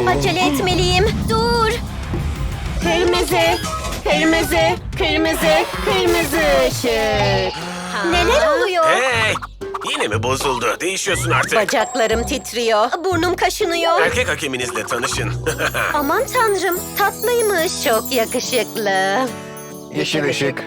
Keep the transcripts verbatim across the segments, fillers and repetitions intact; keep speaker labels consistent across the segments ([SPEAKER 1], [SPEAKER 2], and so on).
[SPEAKER 1] Acele etmeliyim. Dur.
[SPEAKER 2] Kırmızı, kırmızı, kırmızı, kırmızı ışık.
[SPEAKER 1] Neler oluyor?
[SPEAKER 3] Hey! Yine mi bozuldu? Değişiyorsun artık.
[SPEAKER 2] Bacaklarım titriyor.
[SPEAKER 1] Burnum kaşınıyor.
[SPEAKER 3] Erkek hakeminizle tanışın.
[SPEAKER 1] Aman tanrım, tatlıymış.
[SPEAKER 2] Çok yakışıklı.
[SPEAKER 4] Yeşil ışık.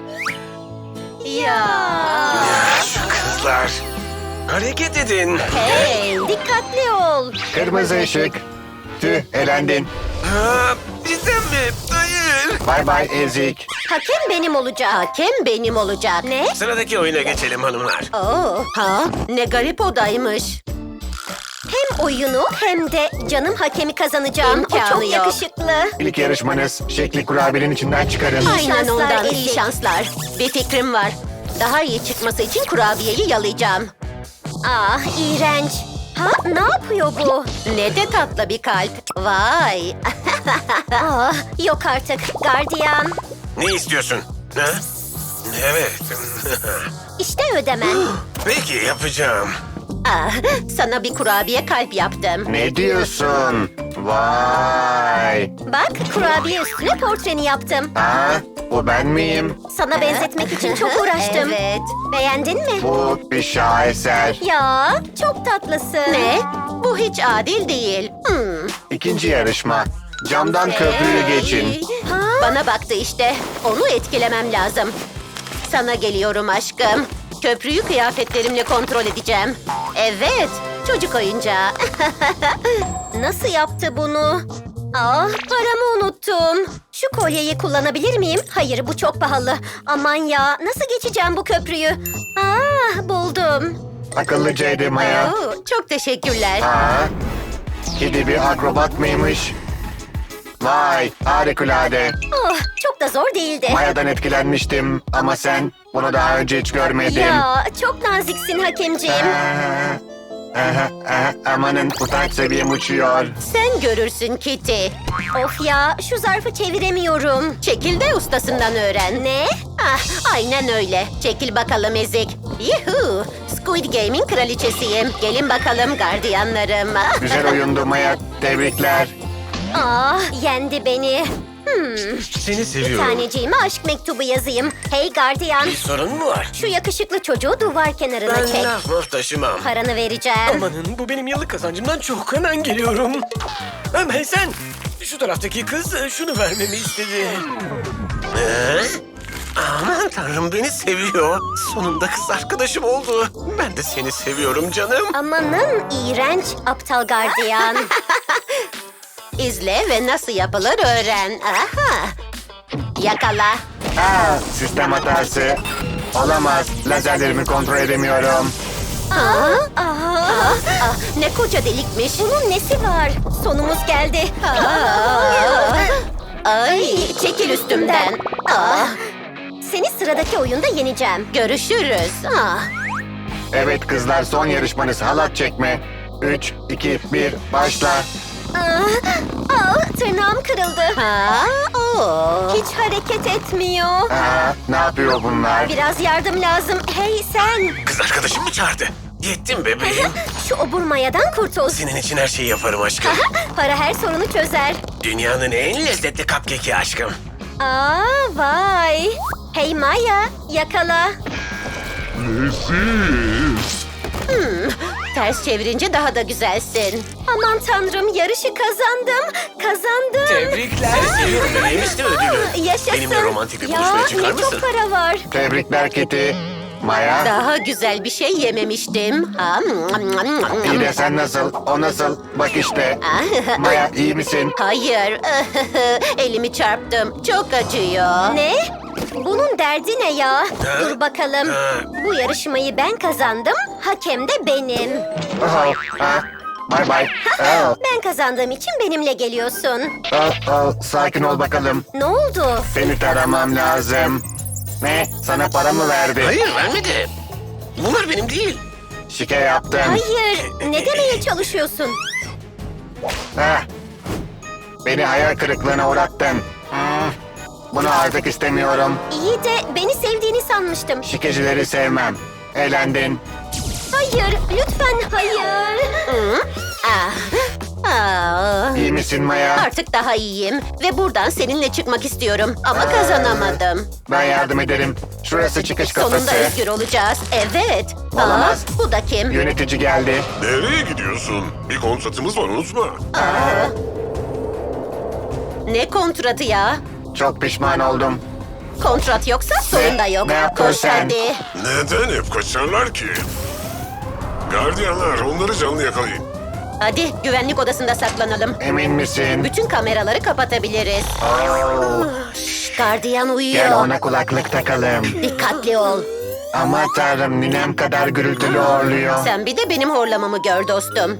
[SPEAKER 2] Ya.
[SPEAKER 3] Şu kızlar. Hareket edin.
[SPEAKER 1] Hey, dikkatli ol.
[SPEAKER 4] Kırmızı ışık. Tüh, elendin.
[SPEAKER 3] Ha, cidden mi? Hayır.
[SPEAKER 4] Bay bay ezik.
[SPEAKER 1] Hakem benim olacak.
[SPEAKER 2] Hakem benim olacak.
[SPEAKER 1] Ne?
[SPEAKER 3] Sıradaki oyuna geçelim hanımlar.
[SPEAKER 2] Oo, ha? Ne garip odaymış.
[SPEAKER 1] Hem oyunu hem de canım hakemi kazanacağım.
[SPEAKER 2] İmkanı
[SPEAKER 1] o çok
[SPEAKER 2] yok.
[SPEAKER 1] yakışıklı.
[SPEAKER 4] İlk yarışmanız şekli kurabiyenin içinden çıkarın.
[SPEAKER 2] Aynen
[SPEAKER 1] şanslar,
[SPEAKER 2] ondan iyi
[SPEAKER 1] ezik.
[SPEAKER 2] şanslar. Bir fikrim var. Daha iyi çıkması için kurabiyeyi yalayacağım.
[SPEAKER 1] Ah, iğrenç. Ha, ne yapıyor bu?
[SPEAKER 2] Ne de tatlı bir kalp. Vay.
[SPEAKER 1] Ah, yok artık. Gardiyan.
[SPEAKER 3] Ne istiyorsun? Ha? Evet.
[SPEAKER 1] İşte ödemen.
[SPEAKER 3] Peki yapacağım.
[SPEAKER 2] Ah, sana bir kurabiye kalp yaptım.
[SPEAKER 4] Ne diyorsun? Vay.
[SPEAKER 1] Bak, kurabiye üstüne portreni yaptım.
[SPEAKER 4] Ha? Bu ben miyim?
[SPEAKER 1] Sana benzetmek için çok uğraştım.
[SPEAKER 2] Evet.
[SPEAKER 1] Beğendin mi?
[SPEAKER 4] Bu bir şaheser.
[SPEAKER 1] Ya, çok tatlısın.
[SPEAKER 2] Ne? Bu hiç adil değil. Hmm.
[SPEAKER 4] İkinci yarışma. Camdan köprüyü geçin.
[SPEAKER 1] Ha?
[SPEAKER 2] Bana baktı işte. Onu etkilemem lazım. Sana geliyorum aşkım. Köprüyü kıyafetlerimle kontrol edeceğim. Evet, çocuk oyuncağı.
[SPEAKER 1] Nasıl yaptı bunu? Ah, paramı unuttum. Şu kolyeyi kullanabilir miyim? Hayır, bu çok pahalı. Aman ya, nasıl geçeceğim bu köprüyü? Ah, buldum.
[SPEAKER 4] Akıllıcaydı Maya.
[SPEAKER 2] Oo, çok teşekkürler.
[SPEAKER 4] Ha? Kedi bir akrobat mıymış? Vay, harikulade.
[SPEAKER 1] Oh, çok da zor değildi.
[SPEAKER 4] Maya'dan etkilenmiştim ama sen bunu daha önce hiç görmedim.
[SPEAKER 1] Ya, çok naziksin hakemciğim.
[SPEAKER 4] Aha, aha, aha, amanın utanç seviyem uçuyor.
[SPEAKER 2] Sen görürsün Kitty.
[SPEAKER 1] Of ya, şu zarfı çeviremiyorum.
[SPEAKER 2] Çekil de ustasından öğren.
[SPEAKER 1] Ne?
[SPEAKER 2] Ah, aynen öyle. Çekil bakalım ezik. Yuhu! Squid Game'in kraliçesiyim. Gelin bakalım gardiyanlarım.
[SPEAKER 4] Güzel oyundu Maya, tebrikler.
[SPEAKER 1] Ah, yendi beni. Hmm,
[SPEAKER 3] Seni
[SPEAKER 1] bir
[SPEAKER 3] seviyorum.
[SPEAKER 1] taneciğime aşk mektubu yazayım. Hey gardiyan,
[SPEAKER 3] Bir sorun mu var?
[SPEAKER 1] şu yakışıklı çocuğu duvar kenarına
[SPEAKER 3] Ben
[SPEAKER 1] çek.
[SPEAKER 3] laf maf taşımam.
[SPEAKER 1] Paranı vereceğim.
[SPEAKER 3] Amanın bu benim yıllık kazancımdan çok hemen geliyorum. Hemen sen. Şu taraftaki kız şunu vermemi istedi. Ee? Aman tanrım beni seviyor. Sonunda kız arkadaşım oldu. Ben de seni seviyorum canım.
[SPEAKER 1] Amanın iğrenç aptal gardiyan.
[SPEAKER 2] İzle ve nasıl yapılır öğren. Aha! Yakala.
[SPEAKER 4] Aa, sistem hatası. Olamaz, lazerlerimi kontrol edemiyorum.
[SPEAKER 1] Aa, aa,
[SPEAKER 2] Ah, ah, ne koca delikmiş.
[SPEAKER 1] bunun nesi var? Sonumuz geldi.
[SPEAKER 2] Aa! Ay, çekil üstümden. Ah,
[SPEAKER 1] Seni sıradaki oyunda yeneceğim.
[SPEAKER 2] görüşürüz. Ah.
[SPEAKER 4] Evet kızlar, son yarışmanız halat çekme. Üç, iki, bir, başla.
[SPEAKER 1] Aa, aa, tırnağım kırıldı.
[SPEAKER 2] Ha, o.
[SPEAKER 1] Hiç hareket etmiyor.
[SPEAKER 4] Aa, ne yapıyor bunlar?
[SPEAKER 1] Biraz yardım lazım. Hey sen!
[SPEAKER 3] Kız arkadaşım mı çağırdı? Yettim bebeğim.
[SPEAKER 1] Şu obur mayadan kurtul.
[SPEAKER 3] Senin için her şeyi yaparım aşkım.
[SPEAKER 1] Para her sorunu çözer.
[SPEAKER 3] Dünyanın en lezzetli cupcake'i aşkım.
[SPEAKER 1] Aa vay. Hey Maya, yakala.
[SPEAKER 2] Ters çevirince daha da güzelsin.
[SPEAKER 1] Aman tanrım, yarışı kazandım. Kazandım.
[SPEAKER 3] Tebrikler. Seviyorum bebeğim işte ödülü.
[SPEAKER 1] Yaşasın.
[SPEAKER 3] Benimle romantik bir
[SPEAKER 1] Ya,
[SPEAKER 3] buluşmaya çıkar
[SPEAKER 1] ne
[SPEAKER 3] mısın?
[SPEAKER 1] çok para var.
[SPEAKER 4] Tebrikler Kitty. Maya,
[SPEAKER 2] Daha güzel bir şey yememiştim. Ha,
[SPEAKER 4] iyi de sen nasıl? O nasıl? Bak işte. Maya, iyi misin?
[SPEAKER 2] hayır. Elimi çarptım. Çok acıyor.
[SPEAKER 1] Ne? Bunun derdi ne ya? Dur bakalım.
[SPEAKER 3] Ha.
[SPEAKER 1] Bu yarışmayı ben kazandım. Hakem de benim.
[SPEAKER 4] Oh, ah, bye bye. Oh,
[SPEAKER 1] Ben kazandığım için benimle geliyorsun.
[SPEAKER 4] oh, oh, sakin ol bakalım.
[SPEAKER 1] Ne oldu?
[SPEAKER 4] Seni taramam lazım. Ne? Sana para mı verdi?
[SPEAKER 3] Hayır vermedi. Bunlar benim değil.
[SPEAKER 4] Şike yaptım.
[SPEAKER 1] Hayır. Ne demeye çalışıyorsun?
[SPEAKER 4] Heh. Beni hayal kırıklığına uğrattın. Hmm. Bunu artık istemiyorum.
[SPEAKER 1] İyi de beni sevdiğini sanmıştım.
[SPEAKER 4] Şikecileri sevmem. Eğlendin.
[SPEAKER 1] Hayır, lütfen hayır.
[SPEAKER 2] Ah, ah.
[SPEAKER 4] İyi İyi misin Maya?
[SPEAKER 2] Artık daha iyiyim ve buradan seninle çıkmak istiyorum ama kazanamadım.
[SPEAKER 4] Ben yardım ederim. Şurası çıkış kapısı.
[SPEAKER 2] Sonunda özgür olacağız. Evet.
[SPEAKER 4] Olamaz.
[SPEAKER 2] Aa, bu da kim?
[SPEAKER 4] Yönetici geldi.
[SPEAKER 5] Nereye gidiyorsun? Bir kontratımız var unutma.
[SPEAKER 2] Ne kontratı ya?
[SPEAKER 4] Çok pişman oldum.
[SPEAKER 2] Kontrat yoksa sorun da yok.
[SPEAKER 4] Ne yaptın
[SPEAKER 2] Koş
[SPEAKER 4] sen?
[SPEAKER 2] hadi.
[SPEAKER 5] Neden hep kaçarlar ki? Gardiyanlar onları canlı yakalayın.
[SPEAKER 2] Hadi güvenlik odasında saklanalım.
[SPEAKER 4] Emin misin?
[SPEAKER 2] Bütün kameraları kapatabiliriz. Şşş, gardiyan uyuyor.
[SPEAKER 4] Gel ona kulaklık takalım.
[SPEAKER 2] Dikkatli ol.
[SPEAKER 4] Ama tanrım ninem kadar gürültülü horluyor.
[SPEAKER 2] Sen bir de benim horlamamı gör dostum.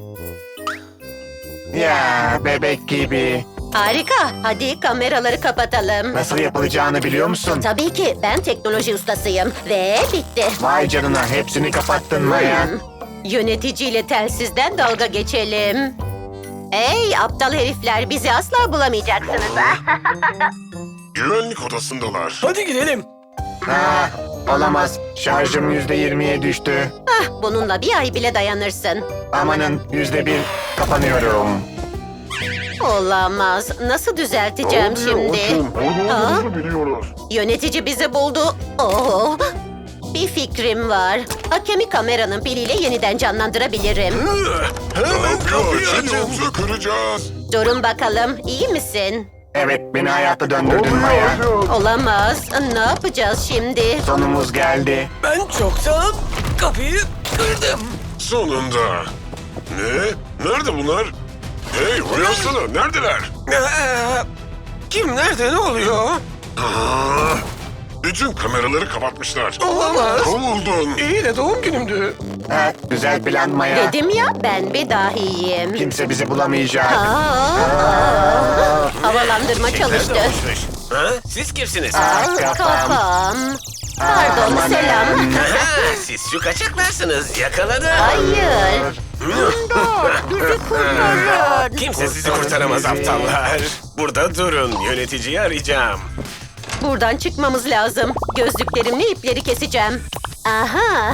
[SPEAKER 4] Ya bebek gibi.
[SPEAKER 2] Harika. Hadi kameraları kapatalım.
[SPEAKER 4] Nasıl yapılacağını biliyor musun?
[SPEAKER 2] Tabii ki ben teknoloji ustasıyım. Ve bitti.
[SPEAKER 4] Vay canına hepsini kapattın Maya.
[SPEAKER 2] Yöneticiyle telsizden dalga geçelim. Ey aptal herifler, bizi asla bulamayacaksınız.
[SPEAKER 5] Güvenlik odasındalar.
[SPEAKER 3] Hadi gidelim.
[SPEAKER 4] Ah, olamaz. Şarjım yüzde yirmiye düştü.
[SPEAKER 2] Ah, bununla bir ay bile dayanırsın.
[SPEAKER 4] Amanın yüzde bir kapanıyorum.
[SPEAKER 2] Olamaz. Nasıl düzelteceğim şimdi? Aa,
[SPEAKER 5] biliyorlar.
[SPEAKER 2] yönetici bizi buldu. Oh, bir fikrim var. Hakemi kameranın piliyle yeniden canlandırabilirim.
[SPEAKER 5] Ne yapıyor?
[SPEAKER 3] kapıyı açın.
[SPEAKER 5] Çenemizi kıracağız.
[SPEAKER 2] Durun bakalım, iyi misin?
[SPEAKER 4] Evet beni hayata döndürdün Maya.
[SPEAKER 2] Olamaz. Ne yapacağız şimdi?
[SPEAKER 4] Sonumuz geldi.
[SPEAKER 3] Ben çoktan kapıyı kırdım.
[SPEAKER 5] Sonunda. Ne? Nerede bunlar? Hey uyansana. Neredeler?
[SPEAKER 3] Ee, kim nerede ne oluyor?
[SPEAKER 5] Aa, bütün kameraları kapatmışlar.
[SPEAKER 3] Olamaz.
[SPEAKER 5] Kovuldun.
[SPEAKER 3] İyi de doğum günümdü.
[SPEAKER 4] Ha, güzel plan Maya.
[SPEAKER 2] Dedim ya, ben bir dahiyim.
[SPEAKER 4] Kimse bizi bulamayacak.
[SPEAKER 2] Aa, havalandırma
[SPEAKER 3] Şeyler
[SPEAKER 2] çalıştı.
[SPEAKER 3] dolmuşmuş. Ha? Siz kimsiniz?
[SPEAKER 4] Ah, kafam.
[SPEAKER 2] Kafam. Pardon,
[SPEAKER 4] Amanın.
[SPEAKER 2] selam.
[SPEAKER 3] Aha, siz şu kaçaklarsınız. Yakaladım.
[SPEAKER 2] Hayır. Bizi kurtarın.
[SPEAKER 3] Kimse sizi kurtaramaz aptallar. Burada durun. Yöneticiyi arayacağım.
[SPEAKER 2] Buradan çıkmamız lazım. Gözlüklerimle ipleri keseceğim. Aha.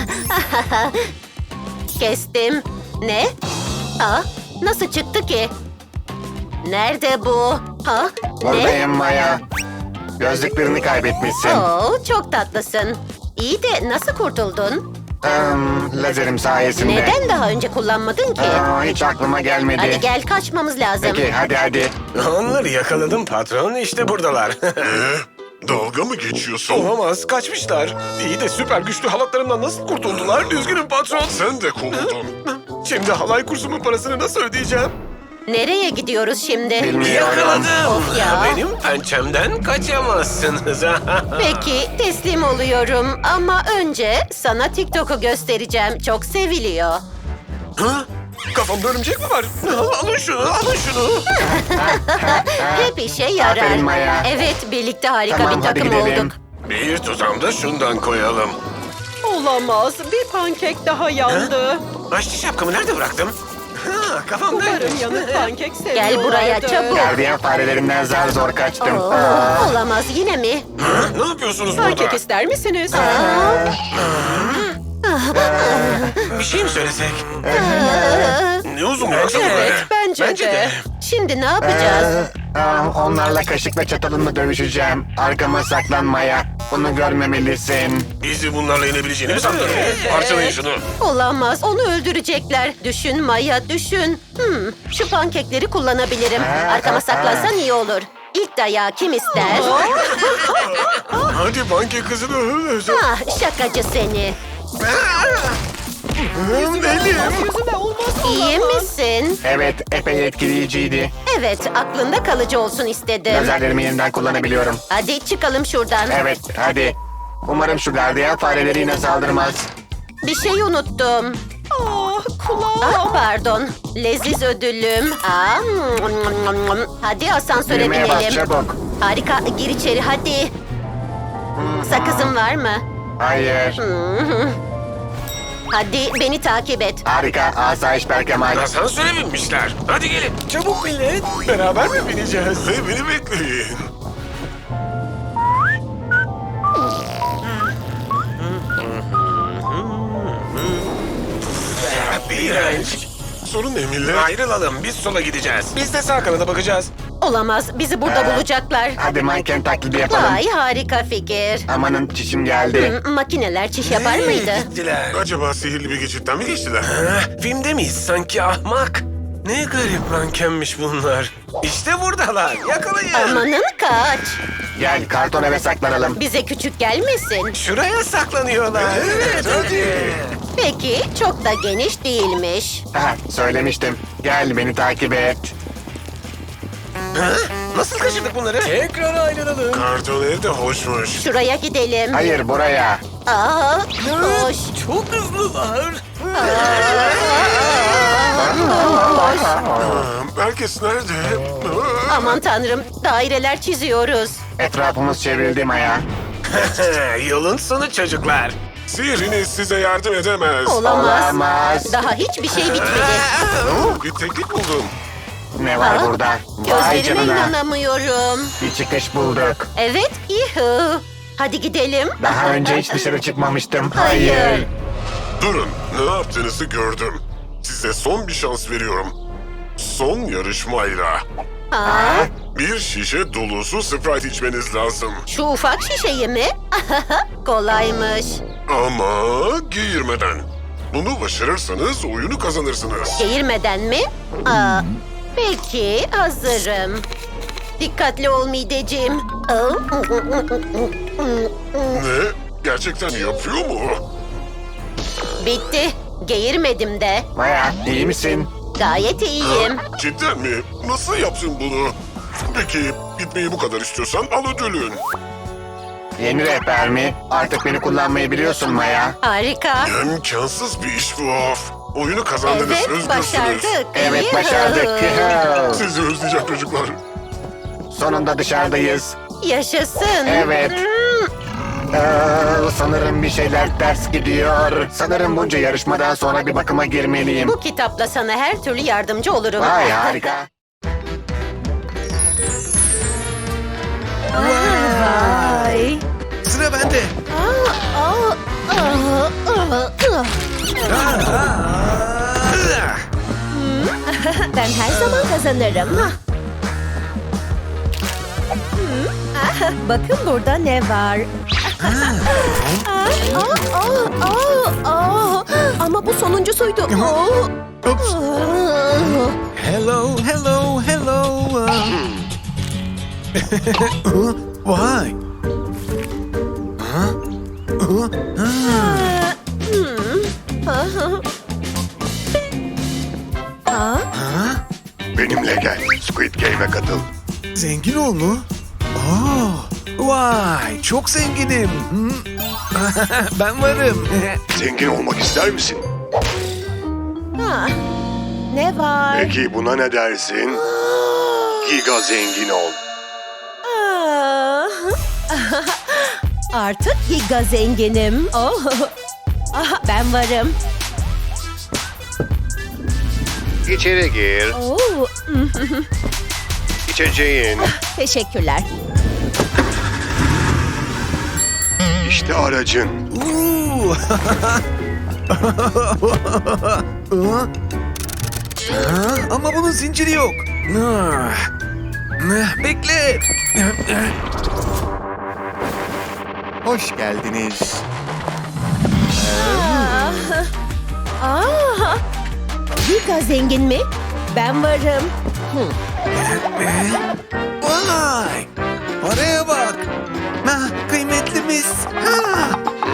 [SPEAKER 2] Kestim. Ne? Aa, nasıl çıktı ki? Nerede bu? Ha? Ne?
[SPEAKER 4] Buradayım Maya. Gözlüklerini kaybetmişsin.
[SPEAKER 2] Oo, çok tatlısın. İyi de nasıl kurtuldun?
[SPEAKER 4] Hmm, lazerim sayesinde.
[SPEAKER 2] Neden daha önce kullanmadın ki?
[SPEAKER 4] Aa, hiç aklıma gelmedi.
[SPEAKER 2] Hadi gel, kaçmamız lazım.
[SPEAKER 4] Peki hadi hadi.
[SPEAKER 3] Onları yakaladım patron. İşte buradalar.
[SPEAKER 5] Ne? Dalga mı geçiyorsun?
[SPEAKER 3] Olamaz. Kaçmışlar. İyi de süper güçlü halatlarımdan nasıl kurtuldular? Üzgünüm patron.
[SPEAKER 5] Sen de kovuldun.
[SPEAKER 3] Şimdi halay kursumun parasını nasıl ödeyeceğim?
[SPEAKER 2] Nereye gidiyoruz şimdi?
[SPEAKER 4] Bilmiyorum.
[SPEAKER 3] Yakaladım.
[SPEAKER 2] Of ya.
[SPEAKER 3] Benim pençemden kaçamazsınız.
[SPEAKER 2] Peki, teslim oluyorum. Ama önce sana TikTok'u göstereceğim. Çok seviliyor.
[SPEAKER 3] Ha? Kafamda örümcek mi var? Alın şunu, alın şunu.
[SPEAKER 2] Hep işe yarar.
[SPEAKER 4] Aferin Maya.
[SPEAKER 2] Evet, birlikte harika
[SPEAKER 4] Tamam,
[SPEAKER 2] bir
[SPEAKER 4] hadi
[SPEAKER 2] takım
[SPEAKER 4] gidelim.
[SPEAKER 2] olduk.
[SPEAKER 3] Bir tutam da şundan koyalım.
[SPEAKER 6] Olamaz. Bir pankek daha yandı.
[SPEAKER 3] Aşçı şapkamı nerede bıraktım? Ha, kafamdaydı.
[SPEAKER 6] Umarım yanık pankek seviyorlardır.
[SPEAKER 2] Gel buraya çabuk.
[SPEAKER 4] Gardiyan farelerinden zar zor kaçtım.
[SPEAKER 2] Oo,
[SPEAKER 4] Aa,
[SPEAKER 2] olamaz, yine mi?
[SPEAKER 3] Ha, ne yapıyorsunuz
[SPEAKER 6] Pankek
[SPEAKER 3] burada?
[SPEAKER 6] ister misiniz?
[SPEAKER 3] Bir şey mi söylesek? Ne uzun bıraksana
[SPEAKER 2] Evet,
[SPEAKER 3] böyle.
[SPEAKER 2] bence,
[SPEAKER 3] Bence
[SPEAKER 2] de.
[SPEAKER 3] de.
[SPEAKER 2] Şimdi ne yapacağız?
[SPEAKER 4] aa, onlarla kaşıkla çatalımla dövüşeceğim. Arkama saklanmaya. Bunu görmemelisin.
[SPEAKER 3] Bizi bunlarla yenebileceğini mi sandın? Parçalayın şunu.
[SPEAKER 2] Olamaz, onu öldürecekler. Düşün Maya, düşün. Hmm, şu pankekleri kullanabilirim. Arkama saklansan iyi olur. İlk dayağı kim ister?
[SPEAKER 3] Hadi banka kızını öldür.
[SPEAKER 2] Ah, şakacı seni.
[SPEAKER 3] Elim.
[SPEAKER 6] Yüzüme olmaz.
[SPEAKER 2] İyi misin?
[SPEAKER 4] Evet epey etkileyiciydi.
[SPEAKER 2] Evet, aklında kalıcı olsun istedim.
[SPEAKER 4] Lazerlerimi yeniden kullanabiliyorum.
[SPEAKER 2] Hadi çıkalım şuradan.
[SPEAKER 4] Evet hadi. Umarım şu gardiyan fareleri yine saldırmaz.
[SPEAKER 2] Bir şey unuttum.
[SPEAKER 6] Ah, kulağım.
[SPEAKER 2] Ah, pardon. Leziz ödülüm. Aa, hadi asansöre
[SPEAKER 4] Düğmeye bas
[SPEAKER 2] binelim.
[SPEAKER 4] çabuk.
[SPEAKER 2] Harika, gir içeri hadi. Sakızın var mı?
[SPEAKER 4] Hayır.
[SPEAKER 2] Hadi beni takip et.
[SPEAKER 4] Harika. Asayiş Berkemal.
[SPEAKER 3] Asansöre binmişler. Hadi gelin. Çabuk millet. Beraber mi bineceğiz?
[SPEAKER 5] Hey beni bekleyin.
[SPEAKER 3] İğrenç.
[SPEAKER 5] Sorun ne millet?
[SPEAKER 3] Ayrılalım. Biz sola gideceğiz. Biz de sağ kanada bakacağız.
[SPEAKER 2] Olamaz. Bizi burada
[SPEAKER 4] Ee,
[SPEAKER 2] bulacaklar.
[SPEAKER 4] Hadi manken taklidi yapalım.
[SPEAKER 2] Vay harika fikir.
[SPEAKER 4] Amanın çişim geldi.
[SPEAKER 2] Hı, Makineler çiş yapar
[SPEAKER 3] Hey,
[SPEAKER 2] mıydı?
[SPEAKER 3] Gittiler.
[SPEAKER 5] Acaba sihirli bir geçitten mi geçtiler?
[SPEAKER 3] Ha, filmde miyiz sanki ahmak? Ne garip mankenmiş bunlar. İşte buradalar. Yakalayın.
[SPEAKER 2] Amanın kaç.
[SPEAKER 4] Gel karton eve saklanalım.
[SPEAKER 2] Bize küçük gelmesin.
[SPEAKER 3] Şuraya saklanıyorlar. Evet, hadi.
[SPEAKER 2] Peki çok da geniş değilmiş.
[SPEAKER 4] Ha, söylemiştim. Gel beni takip et.
[SPEAKER 3] Ha? Nasıl kaçırdık bunları? Tekrar ayrılalım.
[SPEAKER 5] Karton ev de hoşmuş.
[SPEAKER 2] Şuraya gidelim.
[SPEAKER 4] Hayır buraya.
[SPEAKER 2] Aa, hoş.
[SPEAKER 3] Çok hızlılar.
[SPEAKER 5] Aa, herkes nerede? Aa,
[SPEAKER 2] Aman tanrım daireler çiziyoruz.
[SPEAKER 4] Etrafımız çevrildi Maya.
[SPEAKER 3] Yolun sonu çocuklar.
[SPEAKER 5] Sihriniz size yardım edemez.
[SPEAKER 2] Olamaz.
[SPEAKER 4] Olamaz.
[SPEAKER 2] Daha hiçbir şey bitmedi.
[SPEAKER 5] Oo, bir teknik buldum.
[SPEAKER 4] Ne var
[SPEAKER 2] Aa,
[SPEAKER 4] burada? Vay
[SPEAKER 2] Gözlerime
[SPEAKER 4] canına.
[SPEAKER 2] inanamıyorum.
[SPEAKER 4] Bir çıkış bulduk.
[SPEAKER 2] Evet, yuhu. Hadi gidelim.
[SPEAKER 4] Daha önce hiç dışarı çıkmamıştım.
[SPEAKER 2] Hayır.
[SPEAKER 4] Hayır.
[SPEAKER 5] Durun, ne yaptığınızı gördüm. Size son bir şans veriyorum. Son yarışmayla.
[SPEAKER 2] Aa,
[SPEAKER 5] Bir şişe dolusu Sprite içmeniz lazım.
[SPEAKER 2] şu ufak şişeyi mi? Kolaymış.
[SPEAKER 5] Ama giyirmeden. Bunu başarırsanız oyunu kazanırsınız.
[SPEAKER 2] Geğirmeden mi? Aa, peki, hazırım. Dikkatli ol mideciğim.
[SPEAKER 5] Ne? Gerçekten yapıyor mu?
[SPEAKER 2] Bitti. Geğirmedim de.
[SPEAKER 4] Maya iyi misin?
[SPEAKER 2] Gayet iyiyim.
[SPEAKER 5] Cidden mi? Nasıl yaptın bunu? Peki gitmeyi bu kadar istiyorsan al ödülün.
[SPEAKER 4] Yeni rehber mi? Artık beni kullanmayı biliyorsun Maya.
[SPEAKER 2] Harika.
[SPEAKER 5] İmkansız bir iş bu of. Oyunu kazandınız,
[SPEAKER 2] Evet,
[SPEAKER 5] özgürsünüz.
[SPEAKER 2] başardık.
[SPEAKER 4] Evet
[SPEAKER 2] Yuhu.
[SPEAKER 4] başardık.
[SPEAKER 5] Sizi özleyeceğim çocuklar.
[SPEAKER 4] Sonunda dışarıdayız.
[SPEAKER 2] Yaşasın.
[SPEAKER 4] Evet. Aa, sanırım bir şeyler ters gidiyor. Sanırım bunca yarışmadan sonra bir bakıma girmeliyim.
[SPEAKER 2] Bu kitapla sana her türlü yardımcı olurum.
[SPEAKER 4] Vay harika.
[SPEAKER 2] Vay.
[SPEAKER 3] Sıra bende.
[SPEAKER 2] Ben her zaman kazanırım. Bakın burada ne var. Ama bu sonuncusuydu.
[SPEAKER 3] Oops. Hello, hello, hello. Uh, Vay.
[SPEAKER 4] Benimle gel. Squid Game'e katıl.
[SPEAKER 3] Zengin ol mu? Aa, vay, çok zenginim. Hı? Ben varım.
[SPEAKER 4] Zengin olmak ister misin?
[SPEAKER 2] Ne var?
[SPEAKER 4] Peki buna ne dersin? Giga zengin ol.
[SPEAKER 2] Artık giga zenginim. Oh. Ah, ben varım.
[SPEAKER 4] İçeri gir.
[SPEAKER 2] Oh.
[SPEAKER 4] İçeceğin.
[SPEAKER 2] Teşekkürler.
[SPEAKER 4] İşte aracın.
[SPEAKER 3] Uuu. Ha, Ama bunun zinciri yok. Ah. Bekle.
[SPEAKER 4] Hoş geldiniz.
[SPEAKER 2] Aa, giga zengin mi? Ben varım.
[SPEAKER 3] Vay. Paraya bak. Ha, kıymetlimiz. Ha.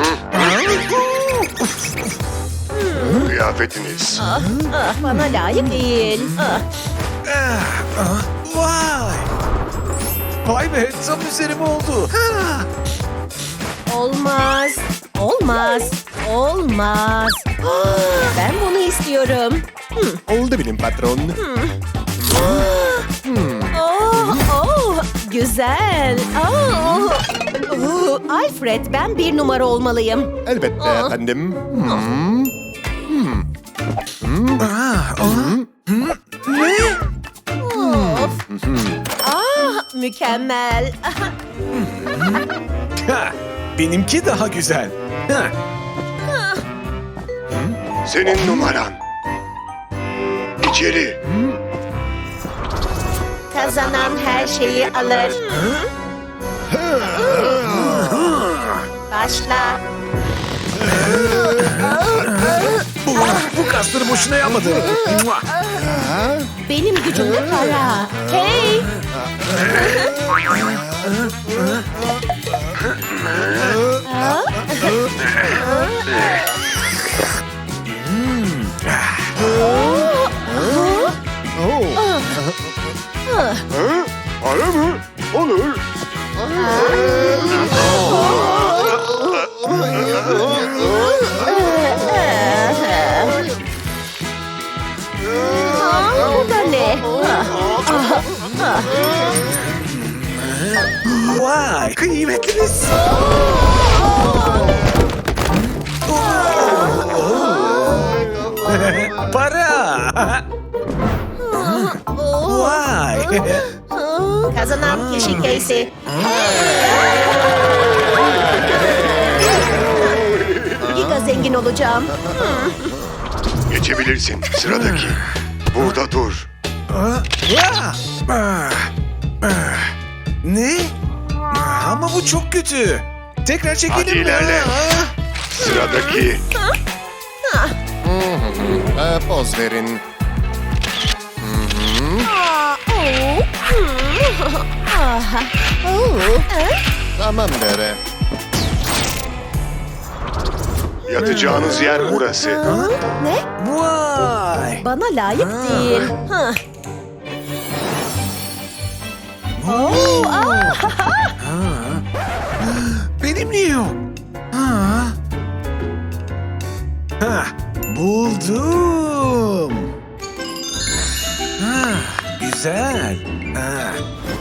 [SPEAKER 4] Kıyafetiniz.
[SPEAKER 2] Ah, bana layık değil. Ah.
[SPEAKER 3] Ah, ah, Vay. Vay be, tam üzerime oldu. Ha.
[SPEAKER 2] Olmaz. Olmaz. Olmaz. Ben bunu istiyorum.
[SPEAKER 4] Oldu benim patron.
[SPEAKER 2] Oh, oh, güzel. Oh. Oh, Alfred, ben bir numara olmalıyım.
[SPEAKER 4] Elbette
[SPEAKER 2] Aa.
[SPEAKER 4] efendim.
[SPEAKER 3] Ah, ah. Ne?
[SPEAKER 2] Of. Ah, mükemmel.
[SPEAKER 3] Ha, benimki daha güzel. Ha.
[SPEAKER 4] Senin numaran.
[SPEAKER 5] içeri.
[SPEAKER 2] Kazanan her şeyi alır. Başla.
[SPEAKER 3] Bu, bu kasları boşuna yapmadı. Mua.
[SPEAKER 2] Benim gücümle para. Hey!
[SPEAKER 5] Öyle mi? Olur.
[SPEAKER 2] Bu da ne?
[SPEAKER 3] Vay, kıymetliniz. Para. Vay.
[SPEAKER 2] Kazanan kişi Casey. Giga zengin olacağım.
[SPEAKER 5] Geçebilirsin. Sıradaki. Burada dur.
[SPEAKER 3] Ne? Ama bu çok kötü. Tekrar çekelim
[SPEAKER 5] Hadi
[SPEAKER 3] mi?
[SPEAKER 5] ilerle. Sıradaki.
[SPEAKER 4] Ee, poz verin. Tamam dere.
[SPEAKER 5] Yatacağınız yer burası.
[SPEAKER 2] Ne?
[SPEAKER 3] Vay.
[SPEAKER 2] Bana layık değil. Hah.
[SPEAKER 3] Benim niye yok? Ha. Ha, buldum. Ha, güzel. Ha.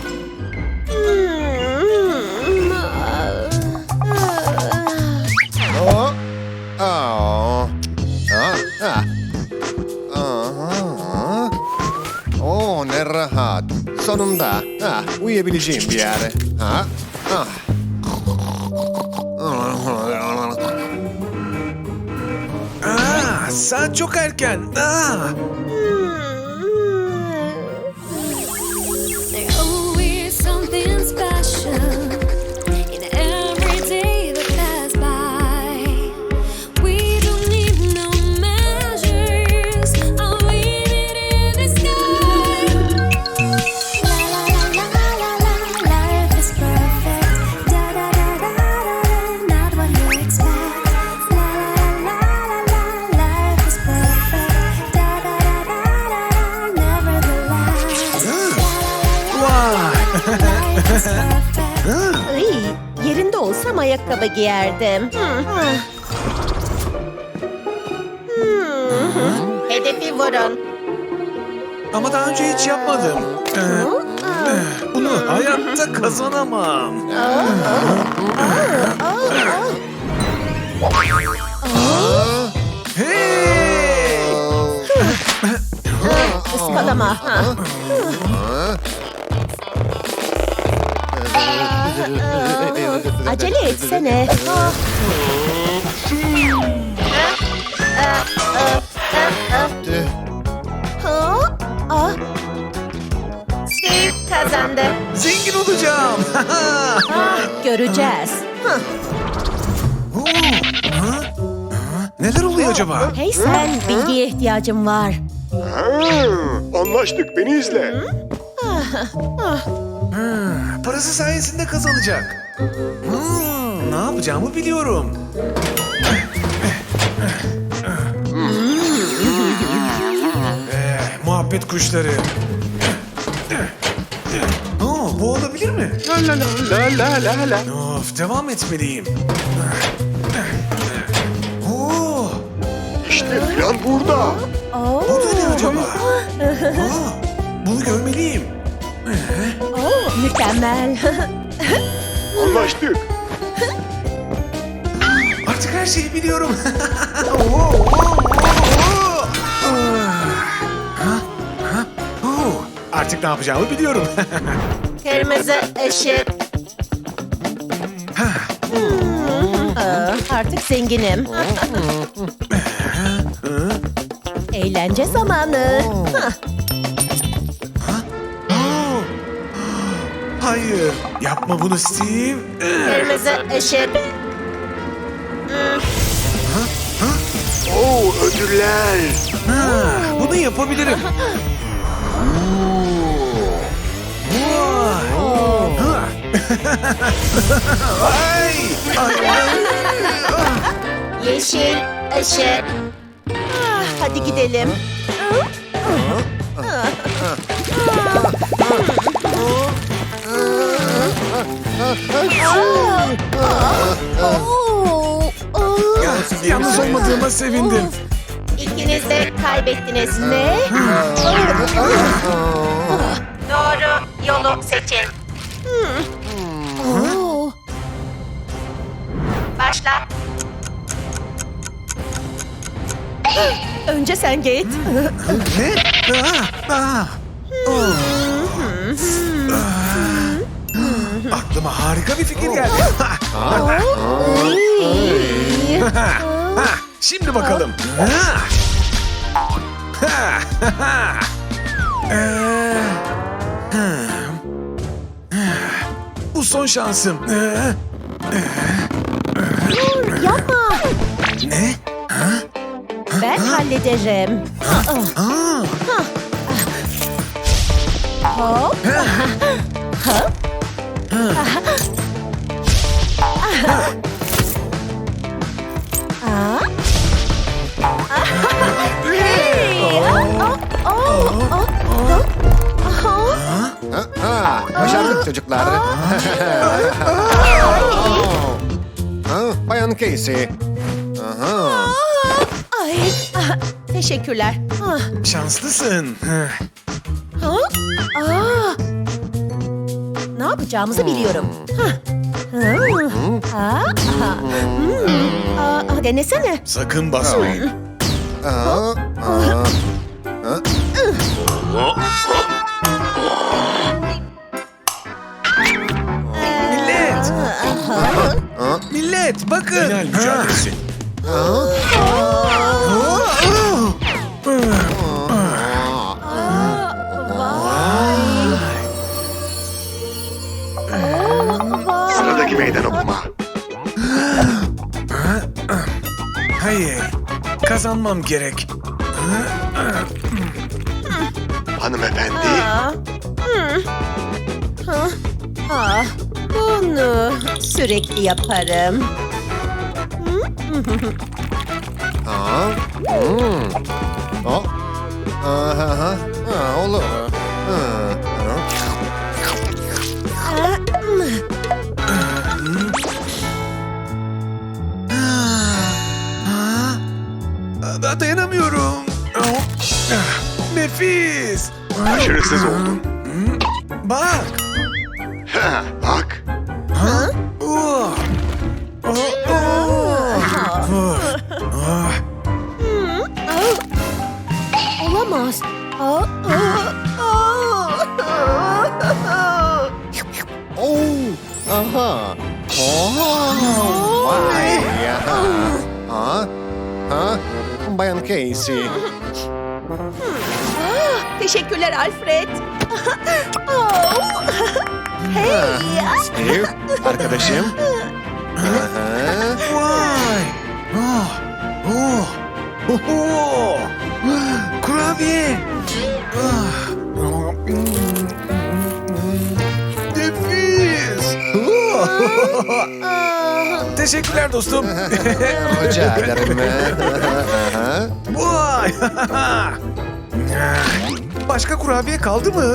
[SPEAKER 4] Oh. Aa. Ah, ah. Aha. Oh, ne rahat. Sonunda. Ah, uyuyabileceğim bir yere. Ha? Ah.
[SPEAKER 3] Aa, saat çok erken. Aa.
[SPEAKER 7] There always something special in every day that pass by. We don't need no measures. All we need is the sky. La la la la la la, life is perfect. Da da da da da, not what you expect. La la la la la, life is perfect. Da da da da da, nevertheless.
[SPEAKER 3] Vay.
[SPEAKER 2] Ay, yerinde olsam ayakkabı giyerdim. Hmm. Hedefi vurun.
[SPEAKER 3] Ama daha önce hiç yapmadım. Ee, eh, bunu hayatta kazanamam. Hey!
[SPEAKER 2] Iskalama. Ha. Acele etsene. Ha? Ah. Steve kazandı.
[SPEAKER 3] Zengin olacağım.
[SPEAKER 2] Ah, göreceğiz. Hah.
[SPEAKER 3] Oo, ha? Ha? Neler oluyor acaba?
[SPEAKER 2] Hey sen, bilgiye ihtiyacım var.
[SPEAKER 5] Ha, anlaştık. Beni izle.
[SPEAKER 3] Ha, parası sayesinde kazanacak. Hmm, ne yapacağımı biliyorum. Eh, muhabbet kuşları. Oo, bu olabilir mi?
[SPEAKER 5] La la la la la la.
[SPEAKER 3] Of, devam etmeliyim. Oo,
[SPEAKER 5] İşte plan burada.
[SPEAKER 2] Oo.
[SPEAKER 3] bu da ne acaba? Aa, bunu görmeliyim.
[SPEAKER 2] Oo, mükemmel.
[SPEAKER 5] Anlaştık.
[SPEAKER 3] Artık her şeyi biliyorum. Oo, oo, oo, oo. Ha? Ha? Oo, artık ne yapacağımı biliyorum.
[SPEAKER 2] Kırmızı ışık. Aa, artık zenginim. Eğlence zamanı. Hah.
[SPEAKER 8] Hayır, yapma bunu Steve.
[SPEAKER 2] Kırmızı ışık.
[SPEAKER 4] Oo, ödüller.
[SPEAKER 8] Ha, bunu yapabilirim. Vay. Ha. Ay. Ay.
[SPEAKER 2] Yeşil ışık. Ah, hadi gidelim.
[SPEAKER 8] Yalnız olmadığıma sevindim.
[SPEAKER 2] İkiniz de kaybettiniz. Ne? Doğru yolu seçin. Başla. Önce sen git.
[SPEAKER 8] Ne? Aa, aa. Oh. Aklıma harika bir fikir geldi. Ha, şimdi bakalım. Ha. Ha, ha. Ee, ha. Bu son şansım. Ee,
[SPEAKER 2] Yapma.
[SPEAKER 8] Ne?
[SPEAKER 2] Ben hallederim.
[SPEAKER 8] Aa.
[SPEAKER 2] Hop.
[SPEAKER 4] Ha, başardık çocuklar. Ha, Bayan Casey. Aha.
[SPEAKER 2] Ay, ah, teşekkürler. Ah,
[SPEAKER 8] Şanslısın.
[SPEAKER 2] ha? Aa, ne yapacağımızı biliyorum. Hah. Hı. Aa, aha. Hmm. Aa, denesene.
[SPEAKER 8] Sakın basmayın.
[SPEAKER 4] Aa, aa.
[SPEAKER 8] Millet! Millet bakın. Final mücadelesi.
[SPEAKER 4] Sıradaki meydan okuma.
[SPEAKER 8] Hayır. Kazanmam gerek.
[SPEAKER 4] Hanımefendi.
[SPEAKER 2] Aa, hmm. Ha, ah, bunu sürekli yaparım.
[SPEAKER 4] Aa, hmm. O. Aha, aha. Ha, olur. Ha, ha.
[SPEAKER 2] Aa, hmm.
[SPEAKER 8] Aa, dayanamıyorum. Nefis.
[SPEAKER 4] Başarısız oldun.
[SPEAKER 8] Bak.
[SPEAKER 4] Ha, bak.
[SPEAKER 8] Oh. Oh, oh. Ah.
[SPEAKER 2] Olamaz. Aa, aa, aa.
[SPEAKER 4] Oo. Aha. Oo. Vay. Aha. Ha. Ha. Bayan Casey.
[SPEAKER 2] Ah, teşekkürler Alfred. Oh. Hey.
[SPEAKER 4] Steve, arkadaşım. Aha.
[SPEAKER 8] Vay. Oh. Oh. Oh. Oh. Kurabiye. Ah. Nefis. Teşekkürler dostum.
[SPEAKER 4] Rica ederim. Aha.
[SPEAKER 8] Vay. Başka kurabiye kaldı mı?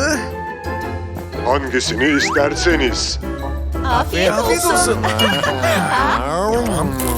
[SPEAKER 5] Hangisini isterseniz.
[SPEAKER 2] Afiyet
[SPEAKER 8] Afiyet
[SPEAKER 2] olsun.
[SPEAKER 8] olsun.
[SPEAKER 4] Aha.